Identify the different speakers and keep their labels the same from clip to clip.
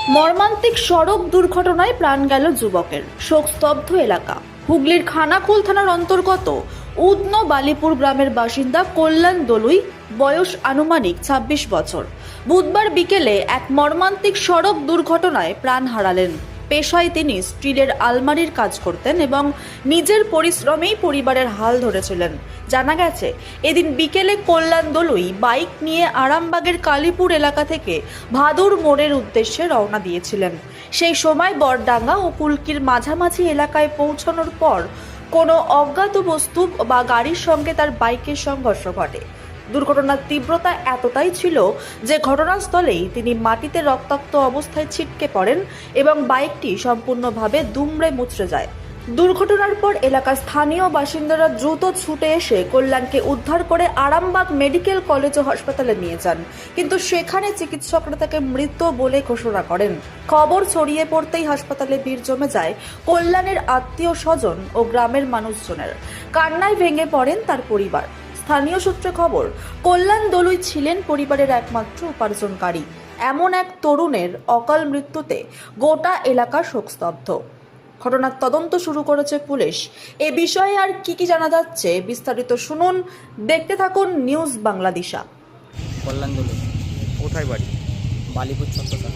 Speaker 1: মর্মান্তিক সড়ক দুর্ঘটনায় প্রাণ গেল যুবকের, শোকস্তব্ধ এলাকা। হুগলির খানাকুল থানার অন্তর্গত উদন বালিপুর গ্রামের বাসিন্দা কল্যাণ দলুই, বয়স আনুমানিক ২৬ বছর, বুধবার বিকেলে এক মর্মান্তিক সড়ক দুর্ঘটনায় প্রাণ হারালেন। পেশায় তিনি স্টিলের আলমারির কাজ করতেন এবং নিজের পরিশ্রমেই পরিবারের হাল ধরেছিলেন। জানা গেছে, এদিন বিকেলে কল্যাণ দলুই বাইক নিয়ে আরামবাগের কালীপুর এলাকা থেকে ভাদুর মোড়ের উদ্দেশ্যে রওনা দিয়েছিলেন। সেই সময় বরডাঙ্গা ও কুলকির মাঝামাঝি এলাকায় পৌঁছানোর পর কোনো অজ্ঞাত বস্তু বা গাড়ির সঙ্গে তার বাইকের সংঘর্ষ ঘটে। দুর্ঘটনার তীব্রতা এতটাই ছিল যে ঘটনাস্থলেই তিনি মাটিতে রক্তাক্ত অবস্থায় ছিটকে পড়েন এবং বাইকটি সম্পূর্ণভাবে দুমড়ে মুচড়ে যায়। দুর্ঘটনার পর এলাকার স্থানীয় বাসিন্দারা দ্রুত ছুটে এসে কল্যাণকে উদ্ধার করে আরামবাগ মেডিকেল কলেজ ও হাসপাতালে নিয়ে যান, কিন্তু সেখানে চিকিৎসকরা তাকে মৃত বলে ঘোষণা করেন। খবর ছড়িয়ে পড়তেই হাসপাতালে ভিড় জমে যায় কল্যাণের আত্মীয় স্বজন ও গ্রামের মানুষজনের। কান্নায় ভেঙে পড়েন তার পরিবার। স্থানীয় সূত্রে খবর, কল্যাণ দলুই ছিলেন পরিবারের একমাত্র উপার্জনকারী। এমন এক তরুণের অকাল মৃত্যুতে গোটা এলাকা শোকস্তব্ধ। ঘটনার তদন্ত শুরু করেছে পুলিশ। এ বিষয়ে আর কি জানা যাচ্ছে বিস্তারিত শুনুন, দেখতে থাকুন নিউজ বাংলাদেশা।
Speaker 2: কল্যাণ দলু,
Speaker 3: কোথায় বাড়ি?
Speaker 2: বালিপুর ছত্রসাল।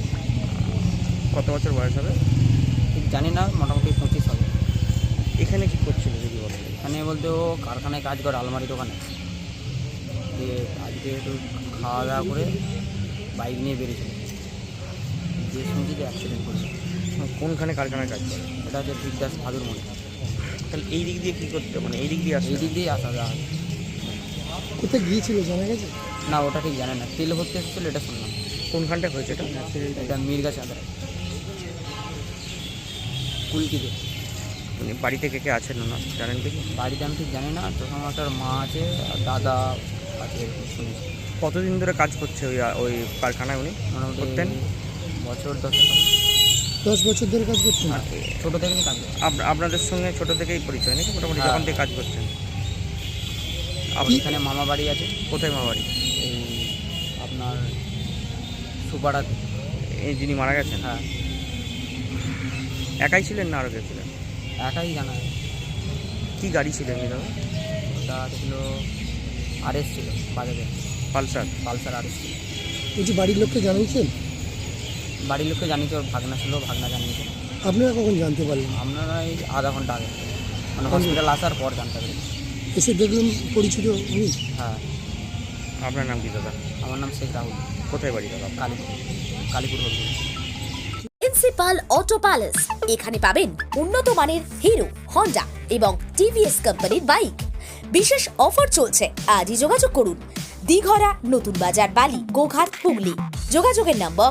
Speaker 3: কত বছর বয়স হবে?
Speaker 2: ঠিক জানি না, মোটামুটি 25 হবে।
Speaker 3: এখানে কি করছিল যদি বলেন?
Speaker 2: এখানে বলতে ও কারখানায় কাজ করে, আলমারি দোকানে। দিয়ে আজকে একটু খাওয়া দাওয়া করে বাইক নিয়ে বেরিয়েছিল, যে শুনছি যে অ্যাক্সিডেন্ট করেছে।
Speaker 3: কোনখানে কারখানায় কাজ করে?
Speaker 2: এটা হচ্ছে বিদ্যাস ভাদুর মোড়ে।
Speaker 3: তাহলে এই দিক দিয়ে কী করতে, মানে এই দিক দিয়ে আসে?
Speaker 2: এই দিক দিয়েই আসা যাওয়া হয়।
Speaker 4: কোথায় গিয়েছিল জানা গেছে?
Speaker 2: না, ওটা ঠিক জানে না। তেল ভর্তি এসেছিলো, এটা শুনলাম।
Speaker 3: কোনখানটা হয়েছে এটা?
Speaker 2: এটা মিরগা চাঁদরা, কুলকিতে।
Speaker 3: মানে বাড়িতে কে কে আছেন না জানেন কি?
Speaker 2: বাড়িতে আমি ঠিক জানি না, তখন আমার মা আছে আর দাদা আছে, শুনেছি।
Speaker 3: কতদিন ধরে কাজ করছে ওই ওই কারখানায় উনি?
Speaker 2: মোটামুটি
Speaker 3: করতেন
Speaker 2: বছর 10 হবে।
Speaker 4: 10 বছর ধরে কাজ করছেন?
Speaker 2: ছোটো থেকে কাজ করে।
Speaker 3: আপনাদের সঙ্গে ছোট থেকেই পরিচয় নাকি? মোটামুটি
Speaker 2: হ্যাঁ।
Speaker 3: যখন থেকে কাজ করছেন?
Speaker 2: আপনি এখানে মামা বাড়ি আছে।
Speaker 3: কোথায় মা বাড়ি?
Speaker 2: এই আপনার সুপাড়াতে।
Speaker 3: এই যিনি মারা গেছেন?
Speaker 2: হ্যাঁ,
Speaker 3: একাই ছিলেন না আরও কে ছিলেন?
Speaker 2: একাই জানা যায়।
Speaker 3: কী গাড়ি ছিল এমনি দাদা?
Speaker 2: ওটা ছিল আরএস, ছিল বাজাজের
Speaker 3: পালসার?
Speaker 2: পালসার আরএস ছিল।
Speaker 4: বলছি বাড়ির লোককে জানিয়েছেন?
Speaker 2: বাড়ির লোককে জানিয়েছে, ওর ভাগনা ছিল, ভাগনা জানিয়েছে।
Speaker 4: আপনারা কখন জানতে পারলেন?
Speaker 2: আপনারা এই আধা ঘন্টা আগে, মানে হসপিটাল আসার পর জানতে পারি।
Speaker 4: এসে দেখলেন পরিচিত উনি?
Speaker 2: হ্যাঁ।
Speaker 3: আপনার নাম কি দাদা?
Speaker 2: আমার নাম শেখ রাহুল।
Speaker 3: কোথায় বাড়ি দাদা?
Speaker 2: কালীপুর হলুদ।
Speaker 5: প্রিন্সিপাল অটো প্যালেস, এখানে পাবেন উন্নত মানের হিরো, হন্ডা এবং টিভিএস কোম্পানির বাইক। বিশেষ অফার চলছে, আজই যোগাযোগ করুন। দিঘরা, নতুন বাজার, বালি, গোঘাট, হুগলি। যোগাযোগের নম্বর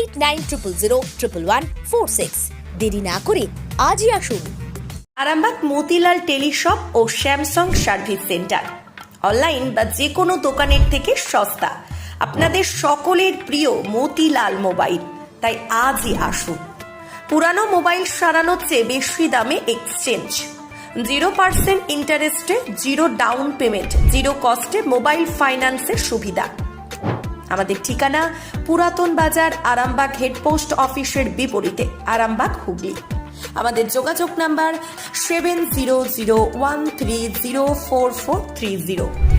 Speaker 5: 8900011146। দেরি না করে আজই আসুন।
Speaker 6: আরামবাগ মতিলাল টেলিশপ ও স্যামসাং সার্ভিস সেন্টার, অনলাইন বা যে কোনো দোকানের থেকে সস্তা। আপনাদের সকলের প্রিয় মতিলাল মোবাইল, তাই আজই আসুন। পুরানো মোবাইল সারানোর চেয়ে বেশি দামে এক্সচেঞ্জ, 0% ইন্টারেস্টে, 0 ডাউন পেমেন্ট, 0 কস্টে মোবাইল ফাইন্যান্সের সুবিধা। আমাদের ঠিকানা পুরাতন বাজার, আরামবাগ হেডপোস্ট অফিসের বিপরীতে, আরামবাগ, হুগলি। আমাদের যোগাযোগ নাম্বার 7001304430।